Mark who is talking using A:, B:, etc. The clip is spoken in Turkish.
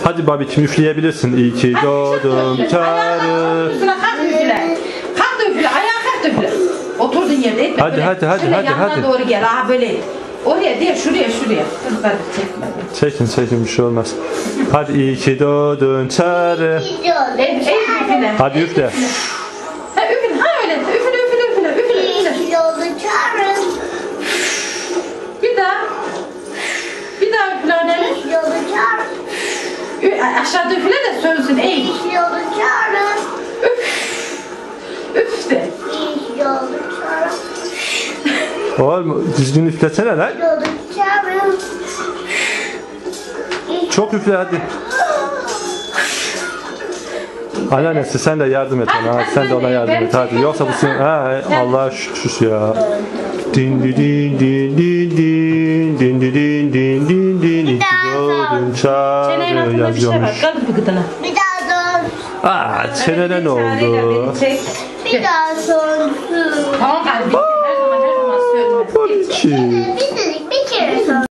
A: Hadi babacığım üfleyebilirsin. İyi ki doğdun çağrı.
B: Üstüne kalk üfle. Kalk da üfle. Ayağa kalk da üfle. Oturduğun yerde etme.
A: Hadi,
B: böyle.
A: hadi,
B: Şöyle
A: hadi,
B: yanına
A: hadi.
B: doğru gel. Aha böyle. Oraya değil şuraya. Hadi çekme.
A: Çekin bir şey olmaz. Hadi iyi ki doğdun çağrı.
B: Ey üfle.
A: Hadi üfle.
B: Ha üfle. Ha öyle. Üfle. Bir daha üfle annene. Aşağıda üfle de sönsün. Ey. Üf de.
A: Oğlum düzgün üflesene lan. Çok üfle hadi. Anneannesi sen de yardım et ona. Sen de ona yardım et hadi. Yoksa bu senin... Allah'a şükür ya. Din din din din din din din din din din din. İyi ki doğdun
B: Çenenin
A: çağrı
B: altında bir şey var.
A: yazıyormuş.
B: Kaldır bir gıdına.
C: Bir daha dön.
A: Çenene ne oldu?
C: Bir daha son.
B: Tamam kalbim. Her zaman söyleme.
A: Poliçi.
C: Bir